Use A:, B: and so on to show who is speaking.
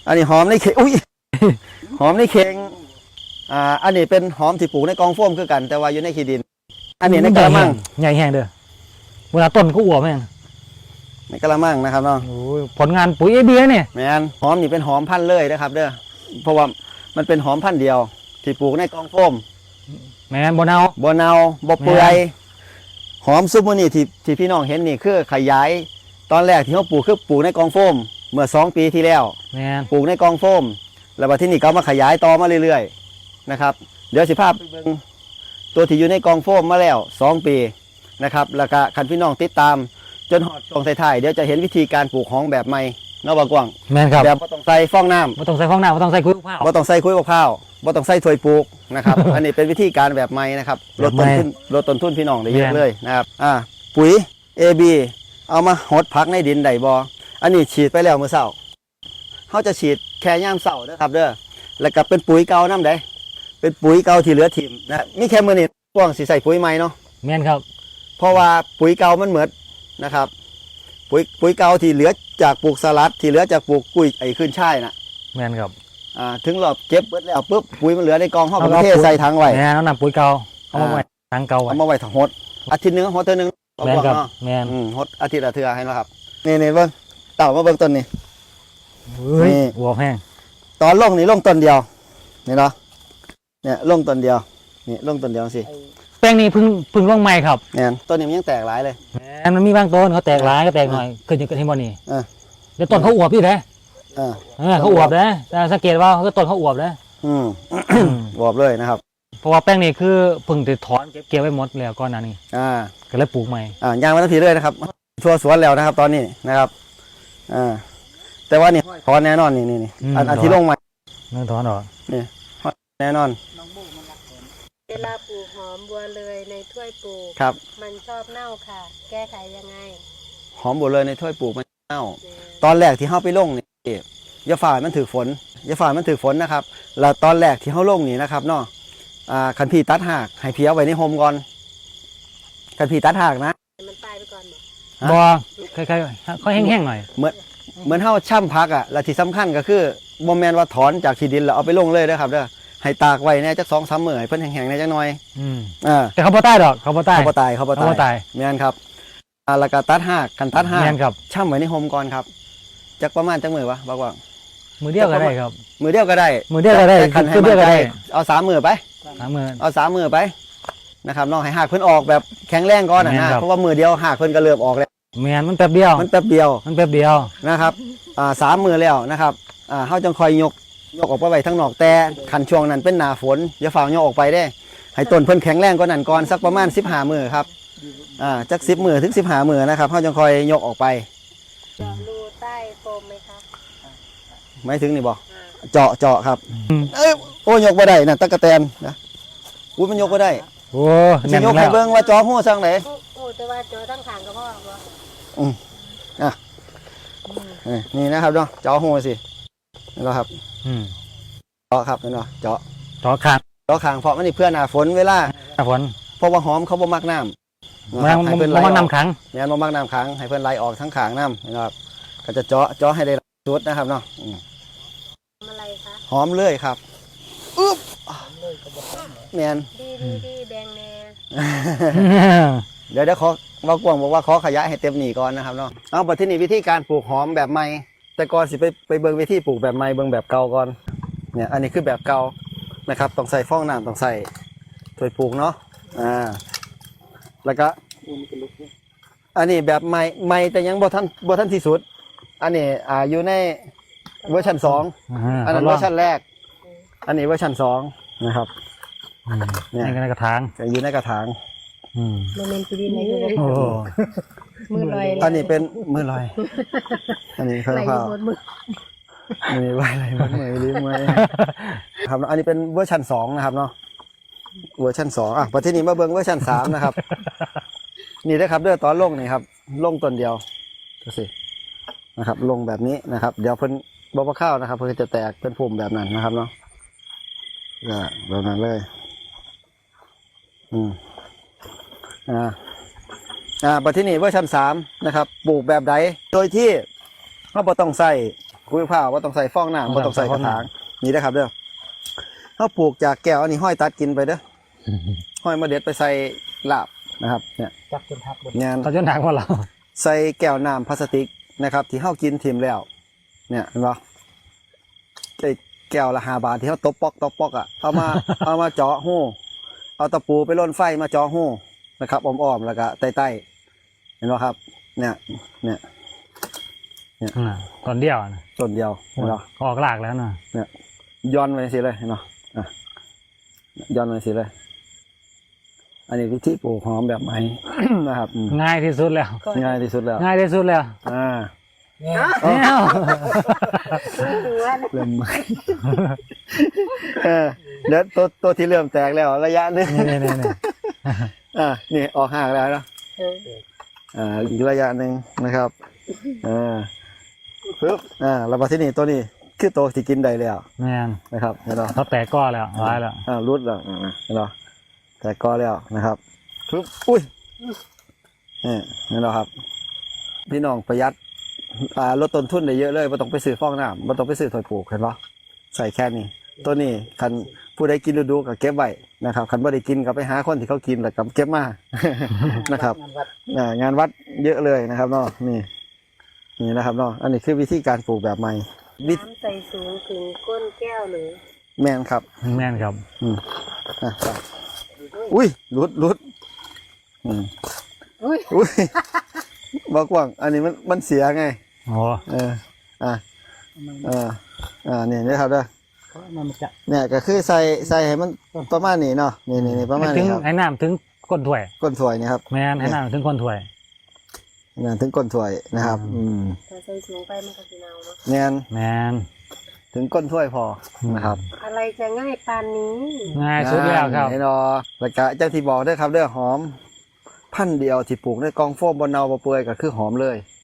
A: อันนี้หอมในเข่งอุ้ย หอมในเข่งอันนี้เป็นหอมที่ปลูกในกองโฟมคือกันแต่ว่าอยู่ในขี้ดินอันนี้ในกระมัง
B: ใหญ่แห้งเด้อเวลาต้นก็อวบแม่ง
A: ในกระมังนะครับเนาะ
B: ผลงานปุ๋ยเอบีเนี่ย
A: แม่นหอมนี่เป็นหอมพันธุ์เลยนะครับเด้อเพราะว่ามันเป็นหอมพันธุ์เดียวที่ปลูกในกองโฟม
B: แม่นบ่เนา
A: บ่เปื่อยหอมซุปนี่ที่พี่น้องเห็นนี่คือขยายตอนแรกที่เขาปลูกคือปลูกในกองโฟมเมื่อ2 ปีที่แล้วปลูกในกองโฟมแล้วบัดที่นี่ก็มาขยายต่อมาเรื่อยๆนะครับเดี๋ยวสิภาพไปเบิ่งตัวที่อยู่ในกองโฟมมาแล้ว2 ปีนะครับแล้วก็คันพี่น้องติดตามจนหอดช่วงท้ายๆเดี๋ยวจะเห็นวิธีการปลูกหอมแบบใหม่นอกบางกว้าง
B: แม่นครับ
A: แบบบ่ต้องใส่ฟองน้ำ
B: บ่ต้องใส่ฟองน้ำบ่ต้องใส่คุยข้าว
A: บ่ต้องใส่คุยข้าวบ่ต้องใส่ถ้วยปลูกนะครับ อันนี้เป็นวิธีการแบบใหม่นะครับลดต้นทุนพี่น้องได้เยอะเลยนะครับปุ๋ย AB เอามาหดพักในดินได้บ่อันนี้ฉีดไปแล้วเมื่อเช้าเขาจะฉีดแค่ย่ามเช้านะครับเด้อแล้วก็เป็นปุ๋ยเก่าน้ำได้เป็นปุ๋ยเก่าที่เหลือถิ่มนะมีแค่มื้อนี้ป้องสิใส่ปุ๋ยใหม่เนาะ
B: แม่นครับ
A: เพราะว่าปุ๋ยเก่ามันเหมือนนะครับปุ๋ยเก่าที่เหลือจากปลูกสลัดที่เหลือจากปลูกกุ้ยขึ้นช่ายนะ
B: แม่นครับ
A: ถึงเราเก็บเบิดแล้วปุ๊บปุ๋ยมันเหลือในกองห้องประเทศใส่ถังไว้
B: แม่นำปุ๋ยเก่าเอามาไว้ถังเก่า
A: เอามาไว้ถังหดอาทิตย์นึงหดเท่านึง
B: แม่นครับแม่น
A: หดอาทิตย์ละเทื่อให้นะครับนี่เบิ่งเต่ามาเบิ่งต้นนี่
B: นี่หัวแห้ง
A: ตอนลงนี่ลงต้นเดียวนี่เนาะเนี่ยลงต้นเดียวนี่ลงต้นเดียวสิ
B: แป้งนี้เพิ่งลงใหม่ครับ
A: เนี่ยต้นนี้มันยังแตกหลายเลย
B: มันมีบางต้นเขาแตกหลายก็แตกหน่อยขึ้นอยู่กับที่บ่นี่เดี๋ยวต้นเขาอวบพี่เด้เขาอวบนะแต่สังเกตว่าเขาต้นเขาอวบนะ
A: อวบเลยนะครับ
B: เพราะว่าแป้งนี้คือเพิ่งจะถอนเก็บไว้หมดแล้วก่อนหน้านี้ก็เลยปลูกใหม่
A: ย่างมาทั้งทีเลยนะครับชัวสวนแล้วนะครับตอนนี้นะครับแต่ว่านี่ถอนแน่นอนนี่อันที่ลงใหม่
B: นั่นถอนหรอ
A: นี่แน่นอน
C: เวลาปลูกหอมบัวเลยในถ้วยปลูก
A: ครับ
C: มันชอบเน่าค่ะ แก้ไขยังไง
A: หอมบัวเลยในถ้วยปลูกมันเน่าตอนแรกที่เขาไปลงนี่ยาฝ่ายมันถือฝนนะครับแล้วตอนแรกที่เขาลงนี่นะครับเนาะขันพีตัดหากให้เพี้ยไว้ในโฮมก่อนขันพีตัดหากนะ
C: มันตายไปก่อน
B: บ่คล้ายๆเขาแห้งๆหน่อย
A: เหมือนเฮาช่ำพักและที่สำคัญก็คือบ่แม่นว่าถอนจากที่ดินแล้วเอาไปลงเลยนะครับเด้อให้ตากไว้แน่จัก2-3 มื้อให้เพิ่นแห้งๆแน่จักหน่อย
B: แต่เขาบ่ตายดอกเขาบ่ตาย
A: แม่นครับแล้วก็ตัดหากกันตัดหาก
B: แม่นครับ
A: ช่ำไว้ในโฮมก่อนครับจักประมาณจักมื้อวะบอกว่า
B: มือเดียวก็ได้ครับ
A: มือเดียวก็ได้
B: คือเดียวก็ได้
A: เอา3 มื้อไปเอา3 มื้อไปนะครับน้องให้หากเพิ่นออกแบบแข็งแรงก่อนนะเพราะว่ามือเดียวหากเพิ่นก็เริ่มออกแล้ว
B: แม่นมันแป๊บเดียว
A: นะครับ3 มื้อแล้วนะครับเฮาจังคอยยกออกไปไว้ทั้งนอกแต่คันช่วงนั้นเป็นหน้าฝนอย่าฝ่ายกออกไปได้ให้ต้นเพิ่นแข็งแรงกว่านั้นก่อนสักประมาณ15 มื้อครับจัก10 มื้อถึง15 มื้อนะครับเฮาจังคอยยกออกไป
C: รูใต้โฟมไหมคะ
A: ไม่ถึงนี่บ่เจาะครับโอ้ยกบ่ได้น่ะตะกะแตนนะอุ้ยมันยกบ่ได้
B: โอ้
A: สิยกให้เบิ่งว่าจอฮู้ซังไหน
C: โอ้แต่ว่าจอทั้งข้างก็พอ
A: บ่นี่นะครับเนาะจอฮู้สินี่แล้วครับเจาะครับเห็นบ่เจาะ
B: ข้าง
A: เพราะมันนี่เพื่อหน้าฝนเวลา
B: หน้าฝน
A: เพราะว่าหอมเขาบ่มักน้ำ
B: ให้เพิ่นบ่มักน้ำขัง
A: เนี่ยบ่มักน้ำขังให้เพิ่นไหลออกทั้งข้างน้ำนะครับก็จะเจาะให้ได้สุดนะครับเนาะ
C: อะไรคะ
A: หอมเลยครับอึ๊บแมน
C: ดีแดงแน่
A: เดี๋ยวขอว่ากวางบอกว่าขอขยายให้เต็มหนีก่อนนะครับเนาะเอาบัดที่นี่วิธีการปลูกหอมแบบใหม่แต่ก่อนสิไปเบิ่งวิธีปลูกแบบใหม่เบิ่งแบบเก่าก่อนเนี่ยอันนี้คือแบบเก่านะครับต้องใส่ฟองน้ำต้องใส่ถ้วยปลูกเนาะแล้วก็อันนี้แบบใหม่แต่ยังบ่ทันที่สุดอันนี้อยู่ในเวอร์ชัน2อันนั้นเวอร์ชันแรกอันนี้เวอร์ชัน2นะครับ
B: เนี่ยในกระถาง
A: อยู่ในกระถาง
C: โมเมนต์ดีไหนมือลอย
A: อันนี้เป็นมือลอยอันนี้เขาเผามือไหวอะไรมือลิ้มมือครับอันนี้เป็นเวอร์ชัน2นะครับเนาะเวอร์ชัน2ประเทศนี้มาเบิ้งเวอร์ชัน3นะครับนี่นะครับเด้อตอนลงนี่ครับลงต้นเดียวดูสินะครับลงแบบนี้นะครับเดี๋ยวเพิ่นบ่ข้าวนะครับเพิ่นจะแตกเป็นพุ่มแบบนั้นนะครับเนาะแบบนั้นเลยประเทศนี้เวอร์ชัน3นะครับปลูกแบบใดโดยที่เราบ่ต้องใส่คุยผ้าว่าต้องใส่ฟองน้ำว่าต้องใส่กระถางนี่นะครับเด้อเขาปลูกจากแก้วอันนี้ห้อยตัดกินไปเด้อห้อยมาเด็ดไปใส่ลาบนะครับเนี่ย
C: จับจนทับเลย
A: งาน
B: เขาจนหนักกว่าเรา
A: ใส่แก้วน้ำพลาสติกนะครับ ที่เขากินถิ่มแล้ว เนี่ยเห็นปะไอ้แก้วละ5 บาทที่เขาตบปอกอ่ะเอามา เอามาเจาะหูเอาตะปูไปล่นไฟมาเจาะหูนะครับอ้อมๆแล้วก็ใต้ๆเห็นปะครับ เนี่ย
B: ตอนเดียวนะ
A: ต้นเดียวเห็นปะ
B: ออกหลากแล้วนะ
A: เนี่ยย้อนไปสิเลยเห็นปะอ่ะย้อนไปสิเลย อันนี้วิธีปลูกหอมแบบใหม่ นะครับอืม
B: ง่ายที่สุดแล้ว
A: ง่ายที่สุดแล้ว
B: ง่ายที่สุดแล้ว
A: อ่า
C: เนี่ย
B: เอ้า
C: หัวนะ
A: เริ่มใหม่ เดี๋ยวตัวที่เริ่มแตกแล้วระยะหนึง
B: นี่
A: นี่ออกห่างแล้วนะ อีกระยะหนึ่งนะครับปึ๊บแล้วมาที่นี่ตัวนี้คือตัวที่กินได้แล้ว
B: แม่น
A: นะครับเห็นไหม
B: เขาแตกก้อนแล้วร้ายแล้ว
A: รุดแล้วเห็นไหมแต่ก็แล้วนะครับปึ๊บอุ้ยนี่เห็นไหมครับ พี่น้องประหยัดลดต้นทุนได้เยอะเลยไม่ต้องไปซื้อฟองน้ำไม่ต้องไปซื้อถอยปลูกเห็นปะใส่แค่นี้ตัวนี้คันผู้ใดกินดูก็เก็บไว้นะครับคันไม่ได้กินก็ไปหาคนที่เขากินแล้วก็เก็บมา นะครับ งานวัดเยอะเลยนะครับเนาะนี่นะครับเนาะอันนี้คือวิธีการปลูกแบบใหม่
C: น้ำใส่สูงถึงก้นแก้วเลย
A: แมนครับ
B: แม่นครับ
A: ครับอุ้ยรุดอุ้ยบอกว่างอันนี้มันเสียไง
B: โอ้
A: เนี่ยนะครับเด้อเนี่ยก็คือใส่ให้มันประมาณนี้เนาะนี่ประมาณ
B: ถึ
A: นี้
B: ง
A: ครับ
B: ให้น้ำถึงก้นถ้วย
A: ก้นถ้วยนี่ครับ
B: แม่นให้น้ำถึงก้นถ้วย
A: เนี่ยถึงก้นถ้วยนะครับ
C: ถ้าใส่สูงไปมันก็จะเน่าเนาะ
A: แม่น
B: แม่น
A: ถึงก้นถ้วยพอนะครับ
C: อะไรจะง่ายปานนี้
B: ง่ายสุดแล้วครับ
A: แน่นอนแล้วก็จังที่บอกเด้อครับเด้อหอมพันธุ์เดียวที่ปลูกในกองโฟมบนเนาบ่เปื่อยก็คือหอมเลย